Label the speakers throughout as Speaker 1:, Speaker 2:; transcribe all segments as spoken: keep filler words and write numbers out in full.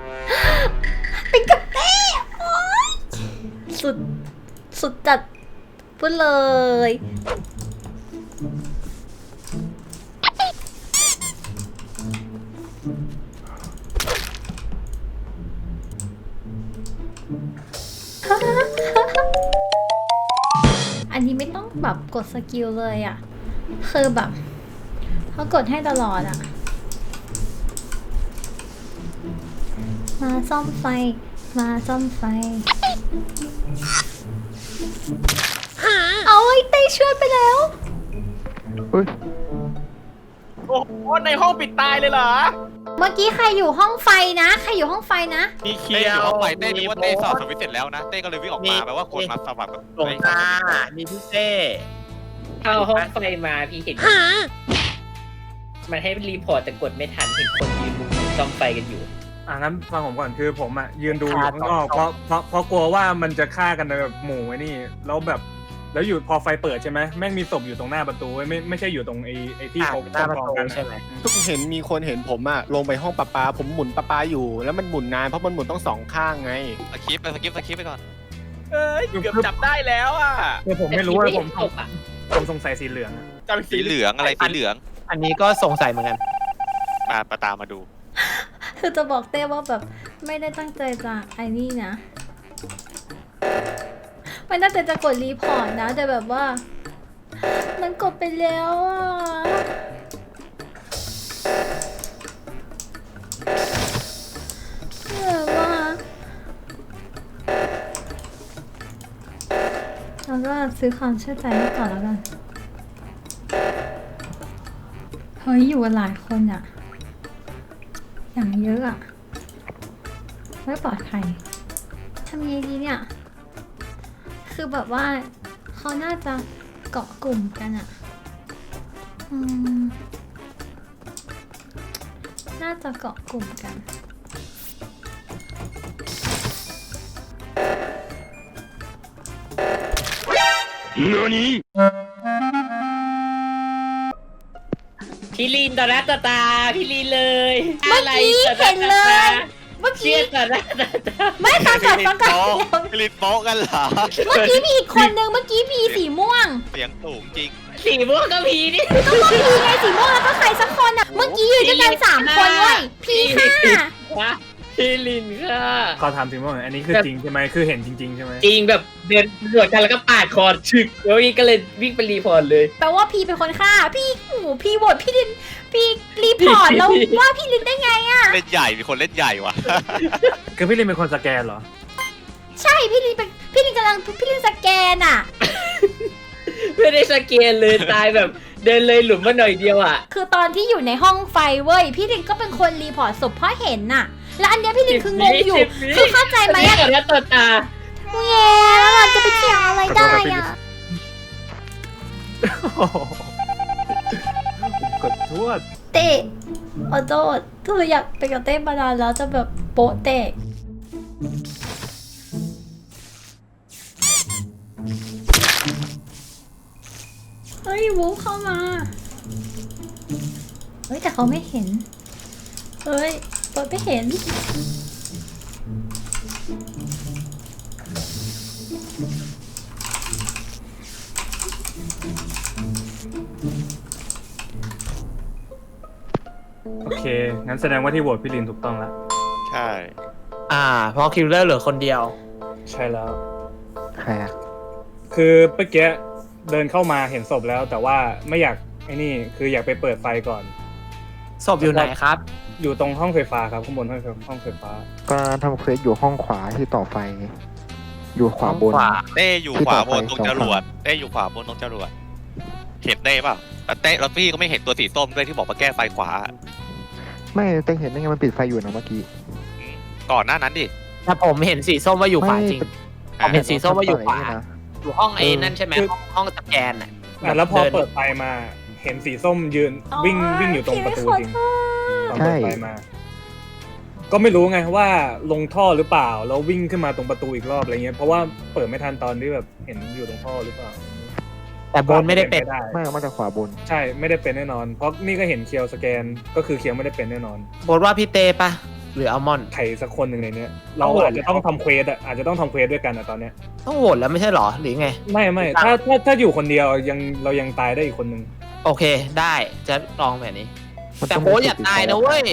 Speaker 1: เป็นกับเต้โอ๊ยสุดสุดจัดพูดเลยอันนี้ไม่ต้องแบบกดสกิลเลยอ่ะคือแบบเขากดให้ตลอดอ่ะมาซ่อมไฟมาซ่อมไฟเอาไอ้เต้ช่วยไปแล้ว
Speaker 2: เฮ้ย
Speaker 3: โอ้โหในห้องปิดตายเลยเหรอ
Speaker 1: เมื่อกี้ใครอยู่ห้องไฟนะใครอยู่ห้องไฟนะ
Speaker 3: มีเคี
Speaker 4: เต้
Speaker 3: ย
Speaker 4: อยู่
Speaker 3: ว
Speaker 4: ห้องไฟเต้นึกว่าเต้สอบสวิตช์เสร็จแล้วนะเต้ก็เลยวิ่งออกมาแปลว่าคนมาสมัครแบบ
Speaker 3: หลวงตามีพี่เต้
Speaker 5: เข้าห้องไฟมาพี่เห็นมันให้รีพอร์ตแต่กดไม่ทันเห็นคนยืนมุงซ่อมไฟกันอยู่
Speaker 6: อ่ะงั้นฟังผมก่อนคือผมอ่ะยืนดูอยู่ข้างนอกเพราะเพราะเพราะกลัวว่ามันจะฆ่ากันในแบบหมู่ไอ้นี่แล้วแบบแล้วอยู่พอไฟเปิดใช่ไหมแม่งมีศพอยู่ตรงหน้าประตูเว้ยไม่ไม่ใช่อยู่ตรงไอ้ไอ้ที่เขา
Speaker 5: หน้าประตู
Speaker 6: กองกัน
Speaker 5: ใช่ไหม
Speaker 2: ทุกเห็นมีคนเห็นผมอะลงไปห้องประปาผมหมุนประปาอยู่ แล้วมันหมุนนานเพราะมันหมุนต้องสองข้างไง
Speaker 4: สกิปไปสกิปสกิปไปก่อน
Speaker 3: เอ้ยเกือบจับได้แล้วอ่ะ
Speaker 6: คือผมไม่รู้ว่าผม
Speaker 5: จบอ่ะ
Speaker 6: ผมสงสัยสีเหลืองอะ
Speaker 3: จับ
Speaker 4: สีเหลืองอะไรสีเหลือง
Speaker 5: อันนี้ก็สงสัยเหมือนกัน
Speaker 4: มาประตามมาดู
Speaker 1: คือจะบอกเต้ว่าแบบไม่ได้ตั้งใจจะไอ้นี่นะไม่ตั้งใจจะกดรีพอร์ตนะแต่แบบว่า มันกดไปแล้วอ่ะแบบว่าเราก็ซื้อความเชื่อใจให้ก่อนแล้วกันเฮ้ยอยู่กันหลายคนอะอย่างเยอะอะไม่ปลอดภัยทำยังไงดีเนี่ยคือแบบว่าเขาน่าจะเกาะกลุ่มกันอะอืมน่าจะเกาะกลุ่มกัน
Speaker 5: พี่ลีนต่อหน้าต่อตาพี่ลีนเลย
Speaker 1: เมื่อกี้เห็นเลย เมื่อ
Speaker 5: เชี
Speaker 1: กี้
Speaker 5: ยร์ต่อหน้าต่อตา
Speaker 1: ไม่ฟังก่อนฟังก่อน
Speaker 4: ผลิตโป๊ะกันเหรอ
Speaker 1: เมื่อกี้มีอีกคนนึงเมื่อกี้มีสีม่วง
Speaker 4: เสียงสูงจริง
Speaker 5: สีม่วงก็พีนี่
Speaker 1: ก็ก็พีไงสีม่วงแล้วก็ใครสักคนอ่ะ เมื่อกี้อยู่ด้วยกันสามคนเว้ยพีค่ะ
Speaker 5: วะพี่ลีนค่ะ
Speaker 6: ขอถามถึงว่าอันนี้คือจริงใช่ไหมคือเห็นจริงๆใช่ไหม
Speaker 5: จริงแบบเดินตรวจกันแล้วก็ปาดคอฉึกแล้วพี่ก็เลยวิ่งไปรีพอร์ตเลย
Speaker 1: แปลว่าพีเป็นคนฆ่า พี่โอ้โหพี่โหวตพี่ลิน พี่รีพอร์ตแล้วว่าพี่ลินได้ไงอ่ะ
Speaker 4: เล่นใหญ่มีคนเล่นใหญ่ว่ะ
Speaker 6: คือพี่ลินเป็นคนสแกนเหรอ
Speaker 1: ใช่พี่ลินเป็นพี่ลินกำลังพี่ลินสแกนอ่ะ
Speaker 5: ไม่ได้สแกนเลยตายแบบเดินเลยหลุมมาหน่อยเดียวอ่ะ
Speaker 1: คือตอนที่อยู่ในห้องไฟเว้ย พี่ลินก็เป็นคนรีพอร์ตศพเพราะเห็นน่ะ แล้วอันเนี้ยพี่ลินคืองงอยู่
Speaker 5: สิบวิ
Speaker 1: คือเข้าใจไหม
Speaker 5: อันนี้
Speaker 1: อะ
Speaker 5: ต่อหน้าต่อตา
Speaker 1: แง่แล้วเราจะไปเถียงอะไรได้อ่ะ
Speaker 6: กดทวด
Speaker 1: เตะขอโทษคืออยากไปกับเต้มานานแล้วจะแบบโป๊ะเตะเฮ้ยวูฟเข้ามา เฮ้ยแต่เขาไม่เห็น เฮ้ยเปิดไม่เห็น
Speaker 6: โอเคงั้นแสดงว่าที่โหวตพี่ลินถูกต้องแล้ว
Speaker 4: ใช่
Speaker 5: อ่า เพราะคิลเลอร์เหลือคนเดียว
Speaker 6: ใช่แล้ว
Speaker 2: ใครอะ
Speaker 6: คือเมื่อกี้เดินเข้ามาเห็นศพแล้ว แต่ว่าไม่อยากไอ้นี่คืออยากไปเปิดไฟก่อน
Speaker 5: ศพอยู่ไหนครับ
Speaker 6: อยู่ตรงห้องไฟฟ้าครับข้างบนห้องไฟห้องไฟฟ้า
Speaker 2: ก็ทำเควสอยู่ห้องขวาที่ต่อไฟ อยู่ขวาบน
Speaker 5: ขวา
Speaker 4: เต้อยู่ขวาบนตรงจรวดเต้อยู่ขวาบนตรงจรวดเห็นเต้เปล่าแล้วเต้แล้วพี่ก็ไม่เห็นตัวสีส้มด้วยที่บอกมาแก้ไฟขวา
Speaker 2: ไม่เต็งเห็นได้ไงมันปิดไฟอยู่นะเมื่อกี้
Speaker 4: ก่อนหน้านั้นดิ
Speaker 5: ถ้าผมเห็นสีส้มว่าอยู่ขวาจริง
Speaker 2: ไม่
Speaker 5: ผมเห็นสีส้มว่าอยู่ขวา
Speaker 2: นะ
Speaker 5: อยู่ห้องไอ้นั่นใช่ไหมห้องห้องสแกนอ่ะ
Speaker 6: อ่ะแล้วพอ
Speaker 5: ดิน
Speaker 6: เปิดไฟมาเห็นสีส้มยืนวิ่ง
Speaker 1: อ๋อ
Speaker 6: วิ่งอยู่ตรงประตูจริง
Speaker 1: พี่ไม่ขอโทษ
Speaker 6: ตอนเปิดไฟมา ก็ไม่รู้ไงว่าลงท่อหรือเปล่าแล้ววิ่งขึ้นมาตรงประตูอีกรอบอะไรเงี้ยเพราะว่าเปิดไม่ทันตอนที่แบบเห็นอยู่ตรงท่อหรือเปล่า
Speaker 5: แต่บนไม่ได้เป็น
Speaker 6: ได้
Speaker 2: ไม่เอามาจากขวาบน
Speaker 6: ใช่ไม่ได้เป็นแน่นอน เพราะนี่ก็เห็นเคียวสแกนก็คือเคียวไม่ได้เป็นแน่นอน
Speaker 5: บนว่าพี่เตปะ
Speaker 7: รืออัลมอนด์
Speaker 6: ใครสักคนหนึ่งในเนี้ยเราอาจจะต้องทำเควสอ่ะอาจจะต้องทำเควสด้วยกันอ่ะตอนเนี้ย
Speaker 7: ต้องโหวตแล้วไม่ใช่หรอหรือไง
Speaker 6: ไม่ไม่ถ้าถ้าถ้าอยู่คนเดียวยังเรายังตายได้อีกคนหนึ่ง
Speaker 7: โอเคได้จะลองแบบนี้ แต่โบ๊ทอย่าตายนะเว้ย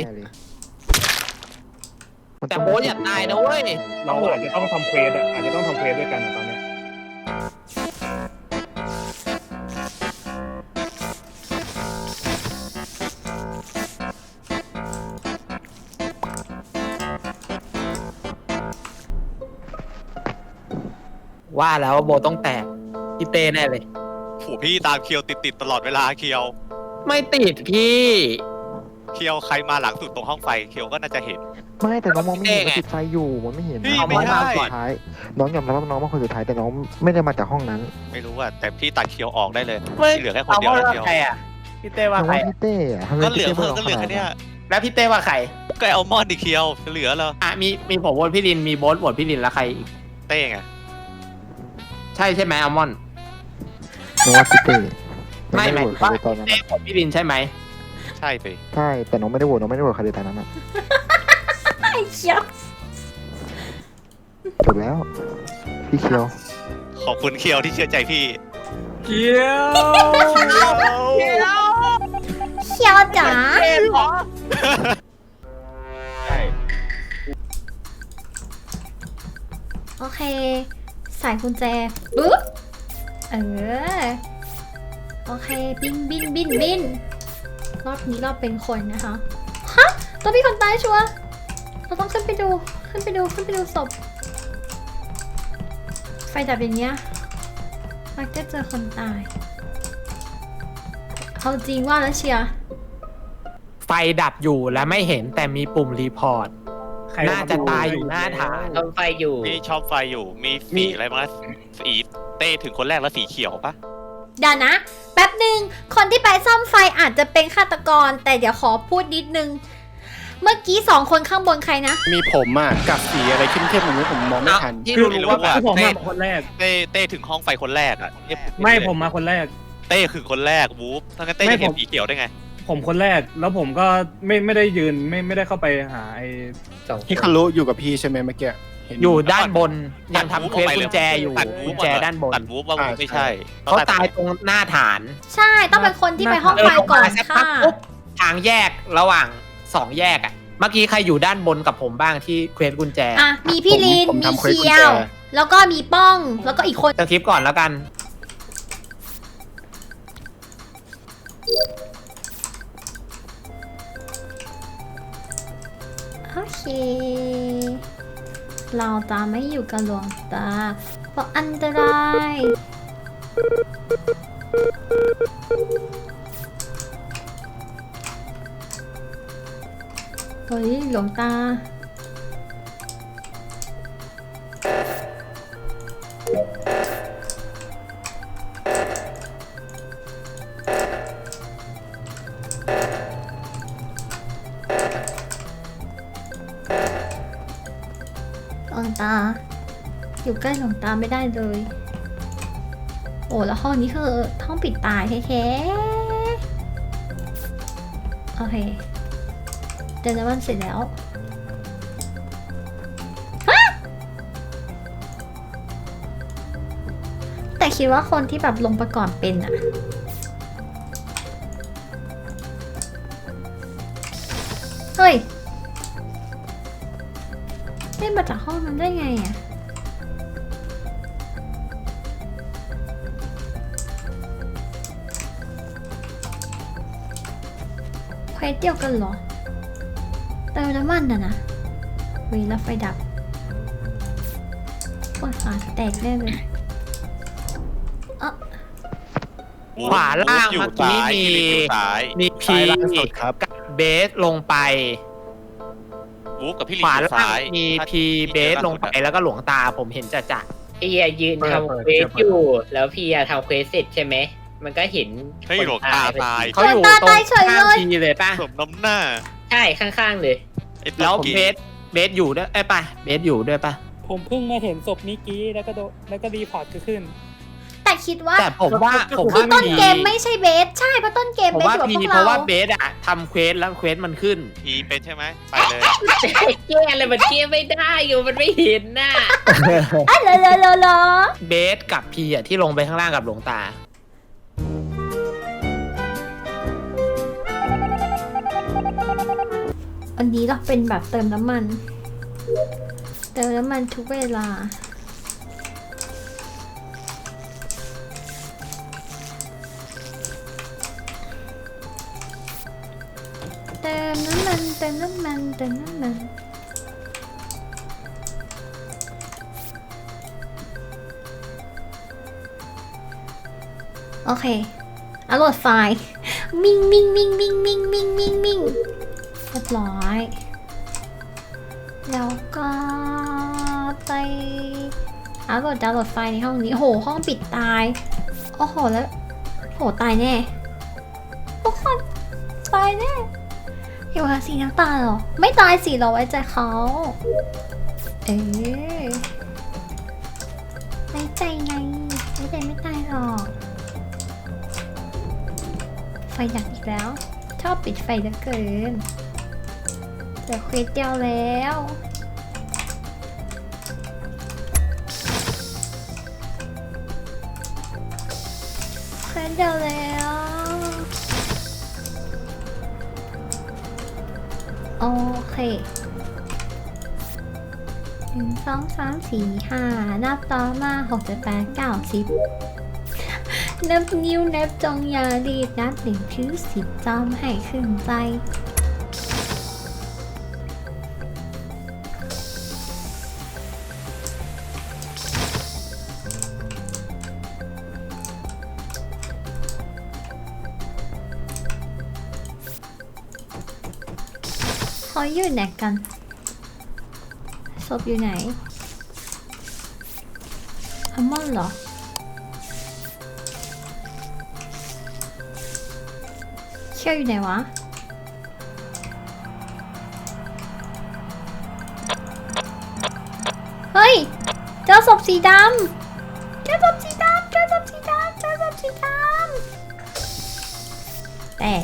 Speaker 7: แต่โบ๊ทอย่าตายนะเว้ย
Speaker 6: เราอาจจะต้องทำเควสอ่ะอาจจะต้องทำเควสด้วยกันอ่ะตอนเนี้ย
Speaker 7: ว่าแล้วว่าโบทต้องแตกพี่เต้แน่เลย
Speaker 4: โหพี่ตามเคียวติดติดๆตลอดเวลาเคียว
Speaker 7: ไม่ติดพี่
Speaker 4: เคียวใครมาหลังสุดตรงห้องไฟเคียวก็น่าจะเห็น
Speaker 8: ไม่แต่น้องมองไม่เห็น
Speaker 7: เอ๊ะ
Speaker 8: ว่าติดไฟอยู่มันไม่เห็น
Speaker 4: พี่
Speaker 8: นะ
Speaker 4: ไม่ได้
Speaker 8: น้องคนสุดท้ายน้องยอมรับว่าน้องมาคนสุดท้ายแต่น้องไม่ได้มาจากห้องนั้น
Speaker 4: ไม่รู้อะแต่พี่ตัดเคียวออกได้เลย
Speaker 7: ไม่
Speaker 4: เหลือแค่คนเดียว
Speaker 7: อา
Speaker 4: แล้ว
Speaker 7: ว่า
Speaker 4: เคียว
Speaker 7: ใครอ่ะพี่เต้ว่า
Speaker 8: น้อง
Speaker 7: ใคร
Speaker 8: ว่าพี่เต้อะทำไม
Speaker 4: ก็เหลือ
Speaker 8: พี่
Speaker 4: เพิ่
Speaker 8: ต้
Speaker 4: มก็เหลือแค่เนี้ย
Speaker 7: แล้วพี่เต้ว่าใคร
Speaker 4: ก็เอามอนดิเคียวเหลือแล้ว
Speaker 7: อ่ะมีมีผมโหวตพี่ลินมีโบ๊ทโหวตพี่ลินแล้วใครอีก
Speaker 4: เต้ไง
Speaker 7: ใช่ใช่ไหมอัลมอนด์
Speaker 8: น้องว่าพี่เต้
Speaker 7: ไม่
Speaker 8: น้อง
Speaker 7: หมาย
Speaker 8: โหว
Speaker 7: ถึ
Speaker 8: ต
Speaker 7: ง
Speaker 8: ใคร
Speaker 7: ว่า
Speaker 8: เลยตอนนั้น
Speaker 7: เต้
Speaker 8: อะ
Speaker 7: โหวตพี่ลินใช่ไหม
Speaker 4: ใช่สิ
Speaker 8: ใช่แต่น้องไม่ได้โหวตน้องไม่ได้โหวตใครเลยตอนนั้นอะ
Speaker 1: ไอ้เชี่ย
Speaker 8: จบแล้วพี่เคียว
Speaker 4: ขอบคุณเคียวที่เชื่อใจพี่
Speaker 6: เกียว
Speaker 1: เชี่ยวจ๋า
Speaker 6: ใช่
Speaker 1: โอเคใส่กุญแจปึ๊บเออโอเคบินบินบินบินรอบนี้รอบเป็นคนนะคะฮะตัวพี่คนตายชัวร์เราต้องขึ้นไปดูขึ้นไปดูขึ้นไปดูศพไฟดับอย่างเงี้ยมักจะเจอคนตายเอาจริงว่าแล้วเชียร์
Speaker 7: ไฟดับอยู่และไม่เห็นแต่มีปุ่มรีพอร์ต
Speaker 6: ใคร
Speaker 7: น่าจะตายอยู่หน้าฐาน
Speaker 5: ซ่อมไฟอยู่
Speaker 4: มีชอบไฟอยู่มีสีอะไรบ้างนะสีเต้ถึงคนแรกแล้วสีเขียวปะ
Speaker 1: เดี๋ยวนะ แป๊บหนึ่งคนที่ไปซ่อมไฟอาจจะเป็นฆาตกร แต่เดี๋ยวขอพูดนิดนึง เมื่อกี้สองคนข้างบนใครนะ
Speaker 2: มีผมอ่ะกับสีอะไรเข้มๆอย่างนี้ผมมองไม่ทัน
Speaker 7: ที่
Speaker 6: คือ
Speaker 7: รู้ๆว่า
Speaker 6: คือผมมาคนแรก
Speaker 4: เต้เต้ถึงห้องไฟคนแรกอะเอ๊ะ
Speaker 6: ไม่ผมมาคนแรก
Speaker 4: เต้คือคนแรกวูฟถ้างั้นเต้
Speaker 6: ไม่
Speaker 4: จะเห็น
Speaker 6: ผม
Speaker 4: สีเขียวได้ไง
Speaker 6: ผมคนแรกแล้วผมก็ไม่ไม่ได้ยืนไม่ไม่ได้เข้าไปหาไอ้
Speaker 5: สอง
Speaker 2: ฮิคารุอยู่กับพี่ใช่ไหมเมื่อกี้เห็น
Speaker 7: อยู่ด้านบนยังทำเควสกุญแจอยู่
Speaker 4: ตัดวู
Speaker 7: กุ
Speaker 4: ฟ
Speaker 7: ญแจด้านบน
Speaker 4: ตัดวูฟว่าวูฟไม่ใช่
Speaker 7: เขาตายตรงหน้าฐาน
Speaker 1: ใช่ต้องเป็นคนที่ไปห้องไฟก่อน
Speaker 7: เดิลงมาสักพั
Speaker 1: ค่ะ
Speaker 7: กปุ๊บทางแยกระหว่างสองแยกอ่ะ เมื่อกี้ใครอยู่ด้านบนกับผมบ้างที่เควสกุญแจ
Speaker 1: อ่ะมีพี่ลิน
Speaker 2: ผม
Speaker 1: มี
Speaker 2: ทำควส
Speaker 1: เคี
Speaker 2: กุญ
Speaker 1: ย
Speaker 2: แจ
Speaker 1: ว แล้วก็มีป้องแล้วก็อีกคน
Speaker 7: สคริปต์ก่อนแล้วกัน
Speaker 1: โอเค เราจะไม่อยู่กับหลวงตาเพราะอันตรายเฮ้ยหลวงตา หลวงตา อยู่ใกล้หลวงตาไม่ได้เลย โอ้แล้วห้องนี้คือห้องปิดตายแท้ๆโอเคเดินวันเสร็จแล้วฮะแต่คิดว่าคนที่แบบลงไปก่อนเป็นอะเฮ้ยได้มาจากห้องนั้นได้ไงอะเควสเดียวกันเหรอเติมน้ำมันน่ะนะเว้ยแล้วไฟดับปวดขาแตกแน่เลยเอ้อ
Speaker 7: ขวาล่าง
Speaker 4: อยู่
Speaker 7: เมื่อกี้
Speaker 4: ซ้าย
Speaker 7: มี
Speaker 4: ที่อยู่ซ้าย
Speaker 7: มีพี
Speaker 2: ซ้ายล่างสุดครับ
Speaker 7: กับเบสลงไป
Speaker 4: วูฟกับพี่ลิ
Speaker 7: ข
Speaker 4: ง
Speaker 7: วา
Speaker 4: อยู่
Speaker 7: ล่าง
Speaker 4: ซ้าย
Speaker 7: มี
Speaker 4: ถ้า
Speaker 7: พีเบสลงไปแล้วก็หลวงตาผมเห็นจะจะ
Speaker 5: พี่อะยืนทำเควสอยู่ แล้วพี่อะทำเควสเสร็จใช่ไหม มันก็เห็น
Speaker 4: เฮ้ยหลวงตาตาย
Speaker 7: เขาอยู่ตรงข้างพีเลยป่ะ
Speaker 4: สมน้ำหน้า
Speaker 5: ใช่ข้างๆเลย
Speaker 4: ไอ้
Speaker 7: แล้ว
Speaker 4: กี้
Speaker 7: เบสเบสอยู่ด้วยไอ้ยป่ะเบสอยู่ด้วยป่ะ
Speaker 9: ผมเพิ่งมาเห็นศพเมื่อกี้แล้วก็โดแล้วก็รีพอร์ตก็ขึ้น
Speaker 1: แต่คิดว่า
Speaker 7: แต่ผมว่าผม
Speaker 1: คือ
Speaker 7: ว่า
Speaker 1: ต้น
Speaker 7: มี
Speaker 1: เกมไม่ใช่เบสใช่เพราะต้นเกม
Speaker 7: ผม
Speaker 1: เบส
Speaker 7: ว่า
Speaker 1: อยู่กับ
Speaker 7: พี
Speaker 1: พวก
Speaker 7: เพราะว่า
Speaker 1: เรา
Speaker 7: เบสอะทำเควสแล้วเควสมันขึ้น
Speaker 4: พีเป็นใช่ไหมไปเลย
Speaker 5: แก้อะไรมันแก้ไม่ได้อยู่มันไม่เห็นน่ะ
Speaker 1: อ่ะเลอเลอเลอเลอ
Speaker 7: เบสกับพีอะที่ลงไปข้างล่างกับหลวงตา
Speaker 1: อันนี้เราเป็นแบบเติมน้ำมัน เติมน้ำมันทุกเวลา เติมน้ำมันเติมน้ำมันเติมน้ำมันโอเคอัปโหลดไฟล์มิงมิงมิงมิงมิงมิงมิงมิงเรียบร้อยแล้วก็ไปอัปโหลดดาวน์โหลดไฟล์ในห้องนี้โหห้องปิดตายโอ้โหแล้วโหตายแน่ทุกคนตายแน่อยู่กับสีน้ำตาลเหรอไม่ตายสิเราไว้ใจเขาเอ๊ะไว้ใจไงไว้ใจไม่ตายหรอกไฟดับอีกแล้วชอบปิดไฟเหลือเกินเหลือเควสเดียวแล้วเควสเดียวแล้วโอเคหนึ่งสองสามสี่ห้านับต่อมาหกเจ็ดแปดเก้าสิบนับนิ้วนับจงอย่ารีบนับหนึ่งถึงสิบจำให้ขึ้นใจเขาอยู่ไหนกันศพอยู่ไหนอัลมอนด์เหรอเชี่ยวอยู่ไหนวะเฮ้ยเจอศพสีดำเจอศพสีดำเจอศพสีดำเจอศพสีดำแต่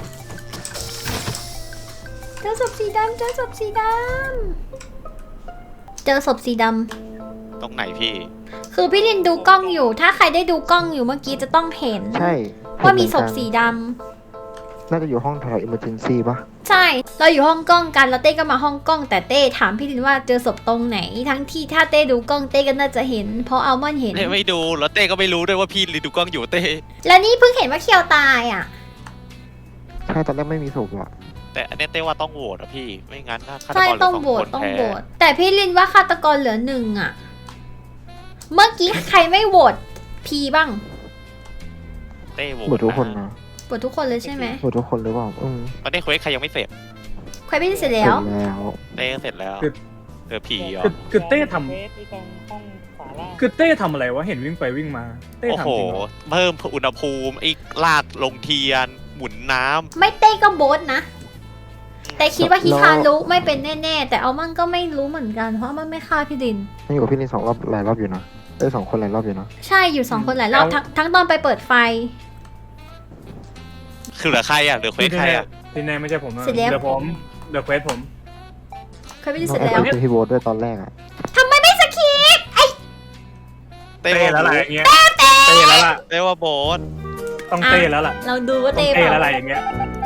Speaker 1: เจอศพสีดำเจอศพสีดำเจอศพสีดำ
Speaker 4: ตรงไหนพี่
Speaker 1: คือพี่ลินดูกล้องอยู่ ถ้าใครได้ดูกล้องอยู่เมื่อกี้จะต้องเห็น
Speaker 8: ใช่
Speaker 1: ว่ามีศพสีด
Speaker 8: น่าจะอยู่ห้องแถวอิมเมอร์เจนซี่ปะ
Speaker 1: ำใช่ เราอยู่ห้องกล้องกันแล้วเต้ก็มาห้องกล้องแต่เต้ถามพี่ลินว่าเจอศพตรงไหน ทั้งที่ถ้าเต้ดูกล้องเต้ก็น่าจะเห็น เพราะอัลมอนด์เห็น
Speaker 4: เต้ไม่ดูแล้วเต้ก็ไม่รู้ด้วยว่าพี่รีดูกล้องอยู่เต้
Speaker 1: แล้วนี่เพิ่งเห็นว่าเคียวตายอ่ะ
Speaker 8: ใช่ตอนแรกไม่มีศพอะ
Speaker 4: แต่อันนี้เต้ว่าต้องโหวตอะพี่ไม่งั้นถ้าฆาต
Speaker 1: ใช่
Speaker 4: กรเหลื
Speaker 1: ต้
Speaker 4: อ
Speaker 1: อง
Speaker 4: สอง
Speaker 1: โหว
Speaker 4: ค
Speaker 1: ต
Speaker 4: น
Speaker 1: ต้อง
Speaker 4: แพ้
Speaker 1: โหวตแต่พี่ลินว่าฆาตกรเหลือหนึ่งอ่ะ เมื่อกี้ใครไม่โหวตพีบ้าง
Speaker 4: เต้โหวต
Speaker 8: หมดทุกคนนะ
Speaker 1: โหวตทุกคนเลยใช่ไหม
Speaker 8: หมดทุกคนหรือเปล่าอืม
Speaker 4: ตอนนี้เควสใครยังไม่เสร็จ
Speaker 1: ใครพี่ลินเสร็จแล้ว
Speaker 8: เสร็จแล้ว
Speaker 4: เต้เสร็จแล้ว
Speaker 6: คือ
Speaker 4: เธอผีเหรอ
Speaker 6: คือคือเต้ท
Speaker 9: เฟสที่ตรงห้องขวาล่าง
Speaker 6: ำคือเต้ทำอะไรวะเห็นวิ่งไปวิ่งมา เต้
Speaker 4: โอ้
Speaker 6: ทำ
Speaker 4: โห
Speaker 6: จริงเหรอ
Speaker 4: เพิ่มอุณหภูมิไอ้ลากลงเทียน หมุนน้ำ
Speaker 1: ไม่เต้ก็โบทนะ แต่คิดว่าฮิคารุไม่เป็นแน่ๆ แต่อัลมอนด์ก็ไม่รู้เหมือนกัน เพราะมันไม่ฆ่าพี่ลิน
Speaker 8: นั่งอยู่กับพี่ลินสองรอบหลายรอบอยู่นะได้สองคนหลายรอบอยู่นะ
Speaker 1: ใช่อยู่สองคนหลายรอบทั้งทั้งตอนไปเปิดไฟ
Speaker 4: คือเหลือใครอ่ะเหลือเควสใครอ่ะ
Speaker 6: ที่แน่ไม่ใช่ผมนะ
Speaker 1: เสร็จแล้ว
Speaker 6: เดี๋ยวผมเดี๋ยวเควสผม
Speaker 1: เคยพี่ลิน
Speaker 8: น้อ
Speaker 1: เส
Speaker 8: ง
Speaker 1: ร็จ
Speaker 8: แอป
Speaker 1: แล้ว
Speaker 8: เป็นพี่โบทด้วยตอนแรกอะ
Speaker 1: ทำไมไม่สคีปไอ
Speaker 4: เต้
Speaker 6: เต้
Speaker 4: ว่า
Speaker 6: แล้วล่ะอย่างเงี้ยเต้แล้วล่ะ
Speaker 4: เต้ว่าโบส
Speaker 6: ต้องเต้แล้วล่ะ
Speaker 1: เราดูว่า
Speaker 6: ต้อ
Speaker 1: เต้
Speaker 6: ง
Speaker 1: เป
Speaker 6: เต้แล้ว
Speaker 1: ล่า
Speaker 6: ล่ะอย่างเงี้ย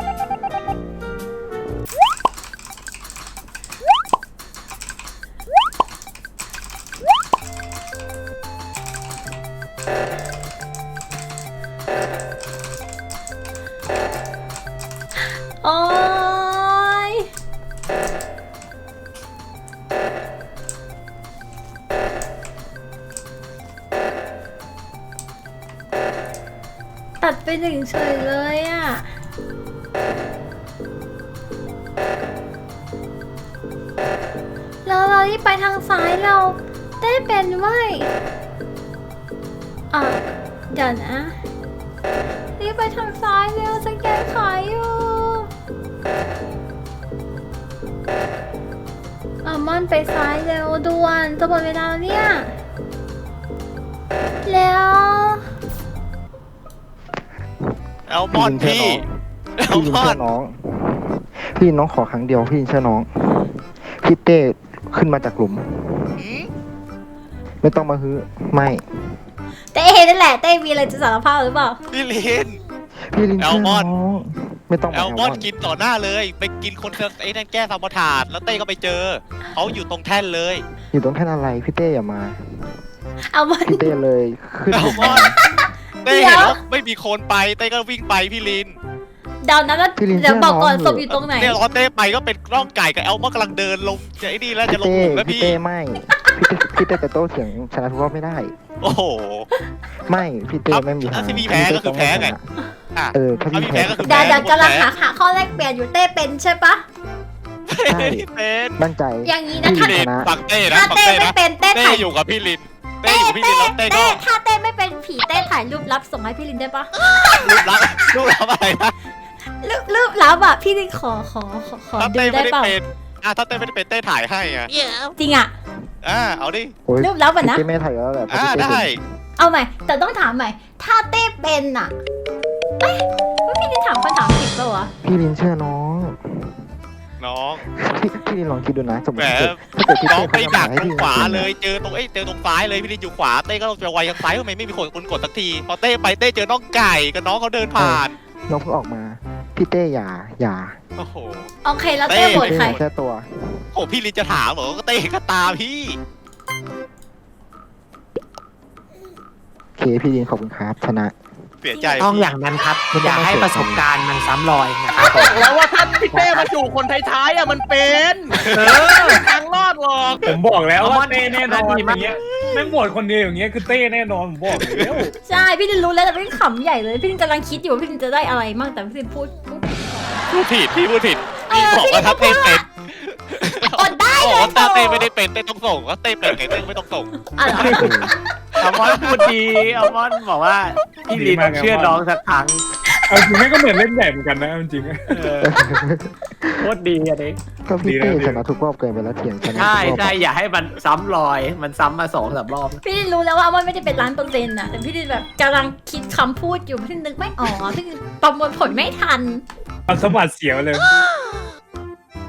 Speaker 1: โอ๊ยตัดไปหนึ่งเฉยเลยอ่ะ แล้วเราที่ไปทางซ้ายเราได้เป็นไว้ยอ่ะเดี๋ยวนะรีบไปทางซ้ายเร็วสแกนขายอยู่อ่ะมอนไปซ้ายเร็วด่วนจะหมดเวลาแล้วเนี่ยแล้ว
Speaker 4: แอลมอนพี่แอล
Speaker 8: พี่ลิน
Speaker 4: มอ
Speaker 8: เชื่
Speaker 4: น
Speaker 8: อน้อง พี่ลินน้องขอครั้งเดียวพี่ลินเชื่อน้อง พี่เต้ขึ้นมาจากหลุม
Speaker 4: หืม
Speaker 8: ไม่ต้องมาฮื้อไม่
Speaker 1: เต้นั่นแหละเต้มีอะไรจะสารภาพหรือเปล่า
Speaker 4: พี่ลิน
Speaker 8: พี่ลินเชื่อ
Speaker 4: แอลม
Speaker 8: น้
Speaker 4: อ
Speaker 8: อน ง ไม่ต้อง
Speaker 4: แอ
Speaker 8: มา
Speaker 4: ล
Speaker 8: แอล
Speaker 4: ม
Speaker 8: ม
Speaker 4: อ
Speaker 8: อน น
Speaker 4: กินต่อหน้าเลย ไปกินคนไอ้นั่นแก้ซาบอทาดแล้วเต้ก็ไปเจอเขาอยู่ตรงแท่นเลย
Speaker 8: อยู่ตรงแท่นอะไร พี่เต้อย่ามา
Speaker 1: เอามัน
Speaker 8: พี่เต้เลยขึ้น
Speaker 4: แอ
Speaker 8: หลุ
Speaker 4: ล
Speaker 8: ม
Speaker 4: มอ
Speaker 8: มาน
Speaker 4: เต้เห็นแล้วไม่มีคนไปเต้ก็วิ่งไปพี่ลิน
Speaker 1: เดานะแล้ว
Speaker 8: พี่ลิน
Speaker 1: เดี๋ยวบอกก่อน
Speaker 8: เชื่อน้อง
Speaker 1: ศพอยู่ตรงไหน
Speaker 4: เนี่ยรอเต้ไปก็เป็นร่องไก่กับแอลมอนกำลังเดินลงจะไอ้นี่แล้วจะลง
Speaker 8: พี่
Speaker 4: ห
Speaker 8: เต้
Speaker 4: ลุมแล้ว
Speaker 8: พี่
Speaker 4: พี่
Speaker 8: เต้ไม่ พี่เต้พี่เต้จะโต้เถียงชนะทุกรอบไม่ได้
Speaker 4: โอ้โห
Speaker 8: ไม่พี่เต้ไม่มีทาง
Speaker 4: ถ้าที่พี่แพ้ก็คือแพ้ไง อ่ะ
Speaker 8: เออถ้า
Speaker 4: ถ้า
Speaker 8: พี่
Speaker 4: พี่
Speaker 8: แพ้
Speaker 4: แพ้ก็คือ
Speaker 1: เดี๋ยว
Speaker 4: แพ้
Speaker 1: เดี๋ยวกำลัง
Speaker 4: แพ้
Speaker 1: หาหาข้อแรกเปลี่ยนอยู่เต้เป็นใช่ปะ
Speaker 8: ใช่
Speaker 4: เป็น
Speaker 8: มั่นใจ
Speaker 1: อย่างนี้นะ
Speaker 8: พี่
Speaker 1: ถ้า
Speaker 8: ลิ
Speaker 4: พี่ลิน
Speaker 8: ชนะ
Speaker 4: ฟังเต้นะ
Speaker 1: ถ้า
Speaker 4: ฟัง
Speaker 1: เต้
Speaker 4: เต้
Speaker 1: ไม่
Speaker 4: นะ
Speaker 1: เป็นเต้
Speaker 4: เต้
Speaker 1: ถ่าย
Speaker 4: อยู่กับพี่ลินเต้
Speaker 1: เต้
Speaker 4: อยู่กับพี่ลินแล้วเต้
Speaker 1: เต้
Speaker 4: ก็
Speaker 1: ถ้าเต้ไม่เป็นผีเต้ถ่ายรูปลับส่งให้พี่ลินได้ปะ
Speaker 4: รูปลับรูปลับอะไรนะ
Speaker 1: รูปรูปลับอ่ะพี่ลินขอขอขอขอ
Speaker 4: ถ้า
Speaker 1: ดู
Speaker 4: เต้
Speaker 1: ได้
Speaker 4: ไม่ได้
Speaker 1: เปล่า
Speaker 4: เป็นอ่ะถ้าเต้ไม่ได้เป็นเต้ถ่ายให้อ่ะ
Speaker 1: จริงอ่ะ
Speaker 4: อ่าเอาดิ
Speaker 8: โอ้ย
Speaker 1: รูปลับอ่ะ
Speaker 8: พี่
Speaker 1: นะ
Speaker 8: เต้ไม่ถ่ายแล้วแหละเพราะ
Speaker 4: อ่า
Speaker 8: พี่เต้
Speaker 4: ได้
Speaker 8: เป็น
Speaker 1: เอาใหม่แต่ต้องถามใหม่ ถ้าเต้เป็นอ่ะเอ๊ะว่าพี่ลินถามคำถามผิดเปล่าวะ
Speaker 8: พี่ลินเชื่อน้อง
Speaker 4: น้อง
Speaker 8: พี่พี่ลินลองคิดดูนะสมม
Speaker 4: แหม
Speaker 8: ติถ้าเกิดพี่
Speaker 4: น้อ
Speaker 8: เต้
Speaker 4: ง
Speaker 8: เขา
Speaker 4: ไป
Speaker 8: ทำ
Speaker 4: ดั
Speaker 8: หาก ให้พี่
Speaker 4: ตรงขวา
Speaker 8: ลิน
Speaker 4: เลยเจอตรงเอ้ยเจอตรงซ้ายเลยพี่ลินอยู่ขวาเต้ก็ต้องจะไวทางซ้ายทำไมไม่มีคนคนกดสักทีพอเต้ไปเต้เจอน้องไก่กับน้องเขาเดินผ่าน
Speaker 8: น้องเพิ่งออกมา พี่เต้อย่าอย่า
Speaker 4: โอ้โห
Speaker 1: โอเคแล้วเต้โหวต
Speaker 8: เต้
Speaker 1: ใคร
Speaker 8: แค่ตัว
Speaker 4: โอ้พี่ลินจะถามเหรอก็เต้ก็ตาพี่
Speaker 8: โอเคพี่ลินขอบคุณครับชนะ
Speaker 4: เสียใจ
Speaker 7: ต้องอย่างนั้นครับ อย่าให้ประสบการณ์มันซ้ำรอยนะครับผม
Speaker 3: แล้วว่าถ้าพี่เต้มาอยู่คนท้ายๆอ่ะมันเป็นเออทางรอดหรอก
Speaker 6: ผมบอกแล้ว
Speaker 7: เอามอ
Speaker 6: ว่าน เต้แน่นอน
Speaker 7: ดี
Speaker 6: อ
Speaker 7: มาก
Speaker 6: ย่างเงี้ยไม่โหวตคนเดียวอย่างเงี้ยคือเต้แน่นอนผมบอกแล้ว
Speaker 1: ใช่พี่ลินรู้แล้วแต่พี่ลินขำใหญ่เลยพี่ลินกำลังคิดอยู่ว่าพี่ลินจะได้อะไรมั่งแต่พี่ลินพูดพูด
Speaker 4: พูดผิดพี่พูดผิด
Speaker 1: เอ
Speaker 4: พี่
Speaker 1: อ
Speaker 4: บอกว่าถ้า
Speaker 1: พี่
Speaker 4: เต้
Speaker 1: ลินพูด
Speaker 4: เป็น
Speaker 1: อดได้
Speaker 4: บอก
Speaker 1: เลย
Speaker 4: ว่าถ้าเต้ไม่ได้เป็นเต้ต้องส่งว่าเต้เป็นไงเต้ไม่ต้องส่ง
Speaker 1: อ่ะเหรอ
Speaker 7: อัลมอนพูดดีอัลมอนบอกว่าพี่ลินเชื่อน้องสักครั้ง
Speaker 6: เอาจริงแม่งก็เหมือนเล่นใหญ่เหมือนกันนะจริง
Speaker 7: โคตรดีอันนี้
Speaker 8: ก็พี่
Speaker 6: ดี
Speaker 8: เต้
Speaker 6: นะดี
Speaker 8: ชนะทุกรอบเกินไปแล้วเถียงชนะ
Speaker 7: ใช่
Speaker 8: ทุกรอบ
Speaker 7: ใช่อย่าให้มันซ้ำรอย มันซ้ำมาสองสามรอบ
Speaker 1: พี่ลินรู้แล้วว่ามันไม่ได้เป็นล้านเปอร์เซ็นต์นะแต่พี่ลินแบบกำลังคิดคำพูดอยู่พี่ลินนึกไม่ออกพี่ลินประมวลผลไม่ทัน
Speaker 6: ๆเอาสะบัดเสียวเลย